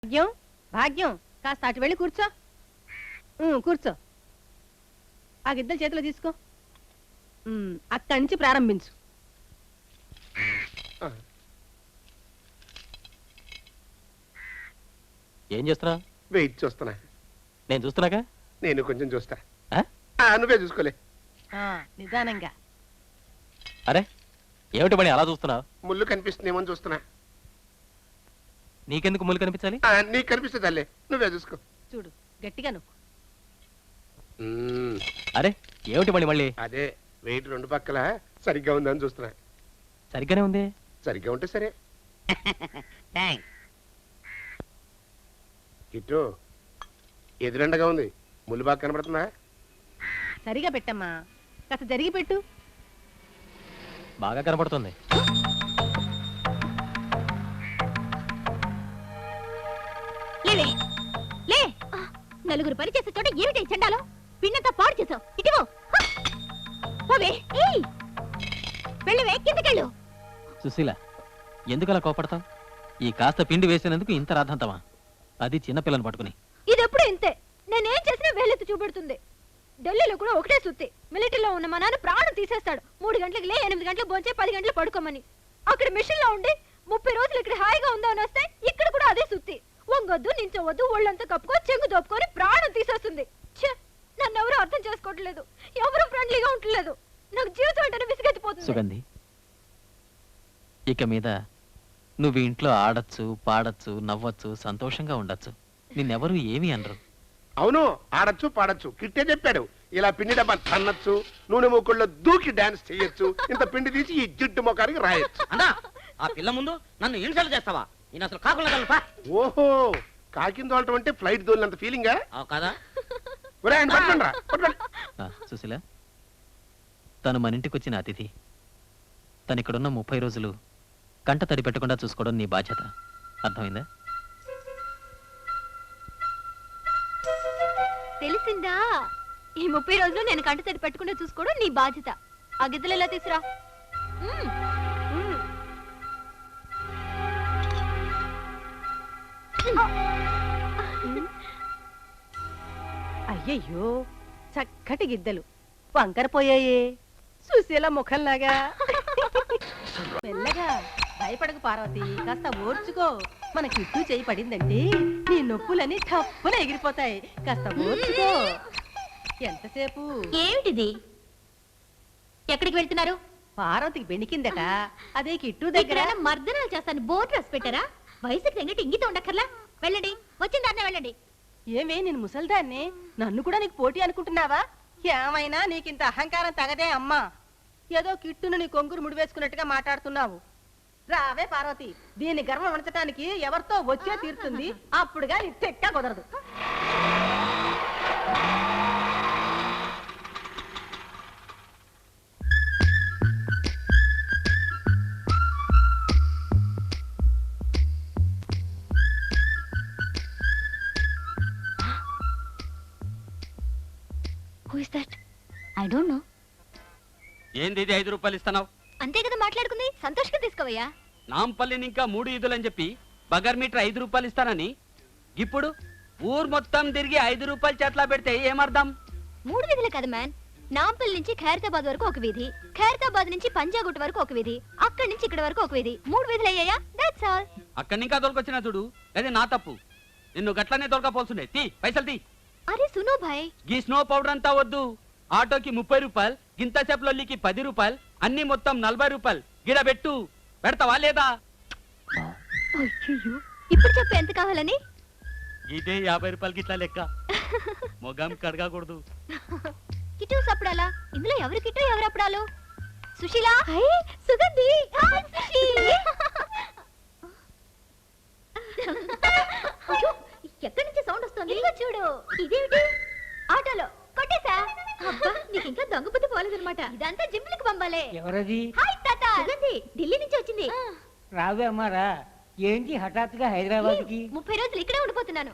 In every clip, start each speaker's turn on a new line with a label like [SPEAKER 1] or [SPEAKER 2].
[SPEAKER 1] భాగ్యం భాగ్యం కాస్త అటు వెళ్ళి కూర్చో. కూర్చో. ఆ గిద్దలు చేతిలో తీసుకో. అక్కడి నుంచి ప్రారంభించు.
[SPEAKER 2] ఏం చేస్తున్నా?
[SPEAKER 3] వెయిట్ చూస్తున్నా.
[SPEAKER 2] నేను చూస్తున్నాగా.
[SPEAKER 3] నేను కొంచెం చూస్తా. నువ్వే చూసుకోలే.
[SPEAKER 1] నిదానంగా.
[SPEAKER 2] అరే ఏమిటి పని అలా చూస్తున్నావు?
[SPEAKER 3] ముళ్ళు కనిపిస్తుందేమో చూస్తున్నా.
[SPEAKER 2] నీకెందుకు ముళ్ళు కనిపించాలి?
[SPEAKER 3] నీకు కనిపిస్తుంది అల్లే, నువ్వే చూసుకో.
[SPEAKER 1] చూడు గట్టిగా నువ్వు.
[SPEAKER 2] అరే ఏమిటి పని మళ్ళీ?
[SPEAKER 3] అదే వెయిట్ రెండు పక్కల సరిగ్గా ఉందని చూస్తున్నా.
[SPEAKER 2] సరిగ్గానే ఉంది.
[SPEAKER 3] సరిగ్గా ఉంటే సరే. కిట్టు ఎదురెండగా ఉంది, ముళ్ళు బాగా కనబడుతుందా?
[SPEAKER 1] సరిగా పెట్టమ్మా, కాస్త జరిగి పెట్టు.
[SPEAKER 2] బాగా కనబడుతుంది.
[SPEAKER 4] నలుగురు పని చేసే చోట ఏమిటి చెండాలో? పిన్నంతా పాడు చేసావు. ఇటువో వెళ్ళవే, కిందకెళ్ళు.
[SPEAKER 2] సుశీల ఎందుకు అలా కోపడతావు? ఈ కాస్త పిండి వేసినందుకు ఇంత రాద్దంతమా? అది చిన్నపిల్లని పట్టుకుని.
[SPEAKER 4] ఇది ఎప్పుడు ఇంతే, నేనేం చేసినా వేలెత్తి చూపెడుతుంది. ఢిల్లీలో కూడా ఒకటే సుత్తి. మిలిటరీలో ఉన్న మా నాన్న ప్రాణం తీసేస్తాడు. 3 గంటలకు లే, 8 గంటలకు భోంచే, 10 గంటలు పడుకోమని. అక్కడ మిషన్ లో ఉండి 30 రోజులు ఇక్కడ హాయిగా ఉందామని వస్తే ఇక్కడ కూడా అదే సుత్తి. వంగొద్దు, నించవద్దు, ఒళ్ళంతా కప్పుకో, చెంగు దోపుకొని ప్రాణం తీసేస్తుంది. నన్ను ఎవరు అర్థం చేసుకోవట్లేదు, ఎవరు ఫ్రెండ్లీగా ఉండలేదు. నాకు జీవితం అంటేనే విసిగెత్తిపోతుంది.
[SPEAKER 2] సుగంధి, ఇక మీద నువ్వు ఇంట్లో ఆడచ్చు, పాడచ్చు, నవ్వచ్చు, సంతోషంగా ఉండొచ్చు. నిన్నెవరూ ఏమీ అనరు.
[SPEAKER 3] అవును, ఆడచ్చు పాడచ్చు. కిట్టే చెప్పాడు, ఇలా పిండి డబ్బా తన్నచ్చు, నూనె మూకుళ్ళలో దూకి డాన్స్ చేయొచ్చు, ఇంత పిండి తీసి ఈ జిడ్డు మొఖానికి రాయొచ్చు.
[SPEAKER 5] అన్నా ఆ పిల్ల ముందు నన్ను ఇన్సల్ట్ చేస్తావా? నేను అసలు కాకుండా.
[SPEAKER 3] ఓహో, కాకింద దోలటం అంటే ఫ్లైట్ దోలినంత ఫీలింగా
[SPEAKER 5] కదా?
[SPEAKER 2] సుశీల, తను మన ఇంటికి వచ్చిన అతిథి. తను ఇక్కడున్న 30 రోజులు కంట తడి పెట్టకుండా చూసుకోవడం నీ బాధ్యత. అర్థమైందా?
[SPEAKER 4] తెలిసిందా? ఈ 30 రోజులు నేను కంట తడి పెట్టకుండా చూసుకోవడం నీ బాధ్యత. ఆ గిద్దలు ఎలా తీసురా.
[SPEAKER 1] అయ్యయ్యో, చక్కటి గిద్దలు వంకరపోయాయే సుశీల ముఖంలాగా. మెల్లగా భయపడకు పార్వతి, కాస్త ఓర్చుకో. మన కిట్టు చేయి పడిందంటే నీ నొప్పులన్నీ తప్పున ఎగిరిపోతాయి. కాస్త ఓర్చుకో. ఎంతసేపు?
[SPEAKER 4] ఏమిటిది? ఎక్కడికి వెళ్తున్నారు?
[SPEAKER 1] పార్వతికి బెణికిందట, అదే కిట్టు దగ్గర.
[SPEAKER 4] మర్దనాలు చేస్తాను బోర్డు రాసి పెట్టారా? వయసుకి తగ్గట్టు ఇంగితం ఉండక్కర్లా. వెళ్ళండి, వచ్చిందాన్నే వెళ్ళండి.
[SPEAKER 1] ఏమే నేను ముసల్దాన్ని, నన్ను కూడా నీకు పోటీ అనుకుంటున్నావా? ఏమైనా నీకింత అహంకారం తగదే అమ్మా. ఏదో కిట్టును నీ కొంగురు ముడివేసుకున్నట్టుగా మాట్లాడుతున్నావు. రావే పార్వతి, దీని గర్వం ఉంచటానికి ఎవరితో వచ్చే తీరుతుంది. అప్పుడుగా నీ తెక్క కుదరదు.
[SPEAKER 4] Who is that? I don't know.
[SPEAKER 5] ఏంది 5 రూపాయలు ఇస్తున్నావు?
[SPEAKER 4] అంతే కదా మాట్లాడుకుంది. సంతోషంగా తీసుకోవయ్యా.
[SPEAKER 5] నాంపల్లిని ఇంకా 3 ఈదులని చెప్పి బగర్ మీటర్ 5 రూపాయలు ఇస్తానని ఇప్పుడు ఊరు మొత్తం తిరిగి 5 రూపాయలు చేట్లా పెడితే ఏమర్థం?
[SPEAKER 4] 3 వీధులే కదా మ్యాన్. నాంపల్లి నుంచి ఖైరతాబాద్ వరకు ఒక వీధి, ఖైరతాబాద్ నుంచి పంజాగుట్ వరకు ఒక వీధి, అక్కడి నుంచి ఇక్కడ వరకు ఒక వీధి. 3 వీధులు అయ్యాయా? That's all.
[SPEAKER 5] అక్కడి ఇంకా దొరకొచ్చినా చూడు, అదే నా తప్పు. నిన్ను గట్లనే దొరకపోల్సిండే. తీ పైసలు తీ.
[SPEAKER 4] అరే సునో భాయ్,
[SPEAKER 5] గీ స్నో పౌడర్ అంతా వద్దు. ఆటోకి 30 రూపాయలు, గింత చెప్పులొల్లికి 10 రూపాయలు, అన్ని మొత్తం 40 రూపాయలు. గిడ పెట్టు. పెడతావా లేదా?
[SPEAKER 4] ఇప్పుడు చెప్పు ఎంత కావాలని.
[SPEAKER 5] ఇదే 50 రూపాయలకి ఇట్లా లెక్క. మొగం కడగకూడదు.
[SPEAKER 4] కిట్టు సప్పుడాలా? ఇందులో ఎవరు కిట్టు ఎవరు అప్పుడాలు? సుశీల, సుగంధి, ఎక్కడి నుంచి సౌండ్ వస్తుంది? చూడు. ఇదేమిటి? ఆటోలో కొట్టేసా. అబ్బా, నీకు ఇంకా దొంగ బుద్ధి పోలేదన్నమాట. ఇదంతా జిమ్లకు పంపాలే.
[SPEAKER 6] ఎవరది?
[SPEAKER 4] హాయ్ తాత. సుగంధి ఢిల్లీ నుంచి వచ్చింది.
[SPEAKER 6] రావే అమ్మారా, ఏంటి హఠాత్తుగా హైదరాబాద్ కి?
[SPEAKER 4] 30 రోజులు ఇక్కడే ఉండిపోతున్నాను.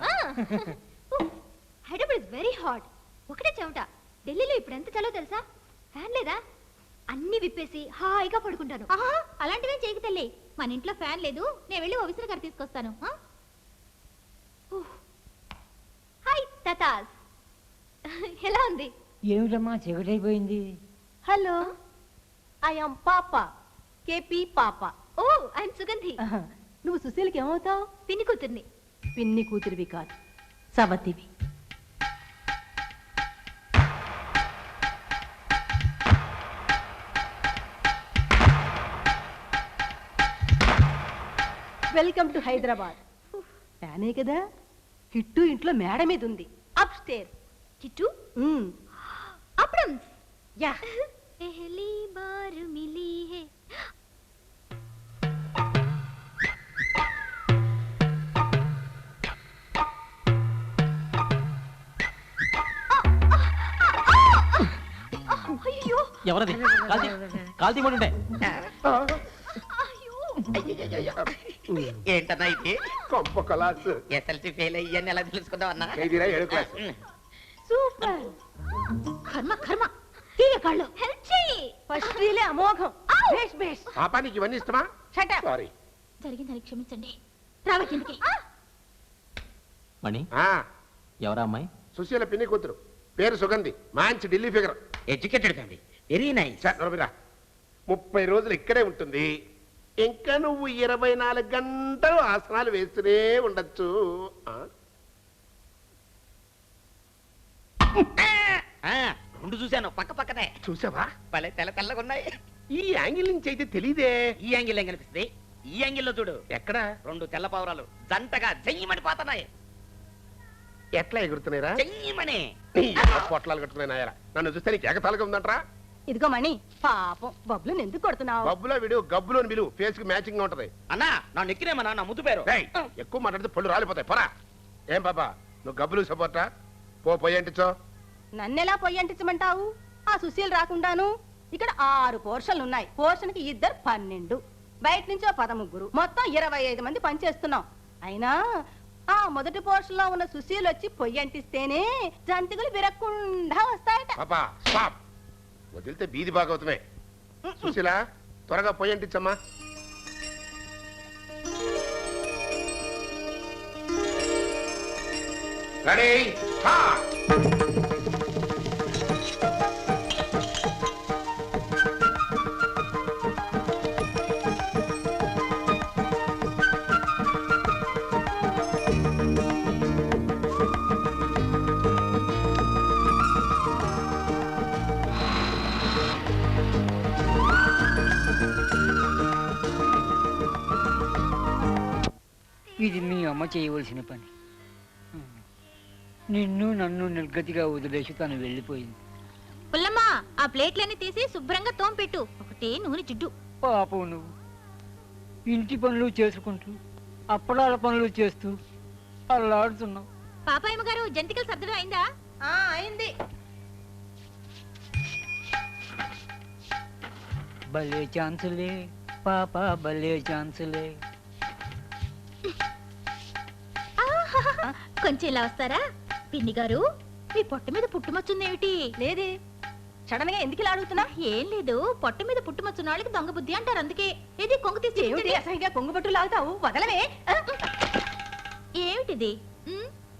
[SPEAKER 4] Hyderabad is very hot. ఒకటే చెమట. ఢిల్లీలో ఇప్పుడు ఎంత చలో తెలుసా? ఫ్యాన్ లేదా? అన్ని విప్పేసి హాయిగా పడుకుంటాను. అలాంటివే చేయకు తల్లి. మన ఇంట్లో ఫ్యాన్ లేదు, నేను వెళ్ళి ఓ విసరగారు తీసుకొస్తాను. సాస్ ఎలా ఉంది?
[SPEAKER 6] ఏమిటమ్మా చీకటైపోయింది?
[SPEAKER 1] హలో ఐ యామ్ పాప కేపీ పాప.
[SPEAKER 4] ఓ ఐఎమ్ సుగంధి,
[SPEAKER 1] నువ్వు సుశీల్కి ఏమవుతావు?
[SPEAKER 4] పిన్ని కూతుర్ని.
[SPEAKER 1] పిన్ని కూతురివి కాదు, సవతివి. Welcome to Hyderabad. ప్యానే కదా, కిట్టు ఇంట్లో మేడ మీద ఉంది, అప్ స్టేర్.
[SPEAKER 4] కిట్టు అప్రమ్స్.
[SPEAKER 1] యా
[SPEAKER 4] पहली बार मिली है. అయ్యో
[SPEAKER 2] ఎవరది? కాల్తీ పడుంటే
[SPEAKER 7] ఏంటన్నా ఇది?
[SPEAKER 3] కొంప కలాస్.
[SPEAKER 7] ఎస్ఎల్సి ఫెయిల్ అయ్యాన్ని ఎలా తెలుసుకుందాం అన్నా?
[SPEAKER 3] ఏదిరా 7వ క్లాస్.
[SPEAKER 1] సూపర్.
[SPEAKER 4] కర్మ కర్మ తీయ కాళ్ళు హెల్ప్ చేయి.
[SPEAKER 1] ఫస్ట్ రీలే అమోఘం. బేష్ బేష్.
[SPEAKER 3] పాపా నీకు ఇవన్నీ ఇష్టమా?
[SPEAKER 1] Shut up.
[SPEAKER 3] సారీ.
[SPEAKER 4] జరిగిందని క్షమించండి. రావే కిందకి.
[SPEAKER 2] మణి,
[SPEAKER 3] ఆ,
[SPEAKER 2] ఎవరా అమ్మాయి?
[SPEAKER 3] సుశీల పిన్ని కూతురు, పేరు సుగంధి, మంచి Delhi figure.
[SPEAKER 7] Educated family, very nice.
[SPEAKER 3] 30 రోజులు ఇక్కడే ఉంటుంది. ఇంకా నువ్వు 24 గంటలు ఆసనాలు వేస్తూనే ఉండొచ్చు.
[SPEAKER 7] రెండు చూశాను, పక్క పక్కనే.
[SPEAKER 3] చూసావా?
[SPEAKER 7] భలే తెల్ల తెల్లగా ఉన్నాయి.
[SPEAKER 3] ఈ యాంగిల్ నుంచి అయితే తెలీదే.
[SPEAKER 7] ఈ యాంగిల్ ఏం కనిపిస్తుంది? ఈ యాంగిల్లో చూడు.
[SPEAKER 3] ఎక్కడ?
[SPEAKER 7] 2 తెల్ల పావురాలు జంటగా జయ్యమని పోతున్నాయి.
[SPEAKER 3] ఎట్లా ఎగురుతున్నాయిరా?
[SPEAKER 7] జయ్యమని.
[SPEAKER 3] పొట్లాలు కట్టుకున్నాయి నాయరా. నన్ను చూస్తే నీకు ఏకతాలుగా ఉందంటరా?
[SPEAKER 1] ఇదిగో మణి, పాపం బబ్బులను ఎందుకు కొడుతున్నావు?
[SPEAKER 3] బబ్బులో విడు, గబ్బులోని విలువ ఫేస్ కి మ్యాచింగ్ గా ఉంటది.
[SPEAKER 7] అన్నా నా నెక్కినేమన్నా నా ముద్దు పేరు.
[SPEAKER 3] రేయ్, ఎక్కువ మాట్లాడితే పళ్ళు రాలిపోతాయి. పోరా. ఏం బాబా, నువ్వు గబ్బులు సపోర్టా? పోయి అంటించో.
[SPEAKER 1] నన్నెలా పొయ్యి అంటించమంటావు? ఆ సుశీల్ రాకుండాను. ఇక్కడ 6 పోర్షన్లు ఉన్నాయి. పోర్షన్ కి 2 12, బయట నుంచి 13, మొత్తం 25 మంది పనిచేస్తున్నాం. అయినా ఆ మొదటి పోర్షన్ లో ఉన్న సుశీల్ వచ్చి పొయ్యి అంటిస్తేనే జంతికలు విరక్కుండా వస్తాయట.
[SPEAKER 3] పాపా స్టాప్. వదిలితే బీది బాగవుతామే. సుశీల, త్వరగా పోయి అంటించమ్మా. Ready start.
[SPEAKER 6] ఇది మీ అమ్మ చేయవలసిన పని. నిన్ను నన్ను నిర్గతిగా వదిలేసి తను వెళ్ళిపోయింది.
[SPEAKER 4] పుల్లమ్మ, ఆ ప్లేట్లన్నీ తీసి శుభ్రంగా తోంపెట్టు. ఒకటే నూనె జిడ్డు.
[SPEAKER 6] పాపం నువ్వు ఇంటి పనులు చేసుకుంటూ అప్పడాల పనులు చేస్తూ అల్లాడుతున్నావు.
[SPEAKER 4] పాపాయమ్మ గారు, జంతికలు సర్దడం అయిందా?
[SPEAKER 1] అయింది.
[SPEAKER 6] భలే ఛాన్సులే పాప, భలే ఛాన్సులే.
[SPEAKER 4] కొంచెం ఇలా వస్తారా? పిన్ని గారు, మీ పొట్ట మీద పుట్టుమచ్చుందేమిటి?
[SPEAKER 1] లేదే. సడన్ గా ఎందుకు ఇలా అడుగుతున్నా?
[SPEAKER 4] ఏం లేదు, పొట్ట మీద పుట్టుమచ్చున్న వాళ్ళకి దొంగ బుద్ధి అంటారు. అందుకే ఇది కొంగు తీసి
[SPEAKER 1] ఏమిటి అసహ్యంగా కొంగు పట్టు లాగుతావు? వదలవే.
[SPEAKER 4] ఏమిటిది?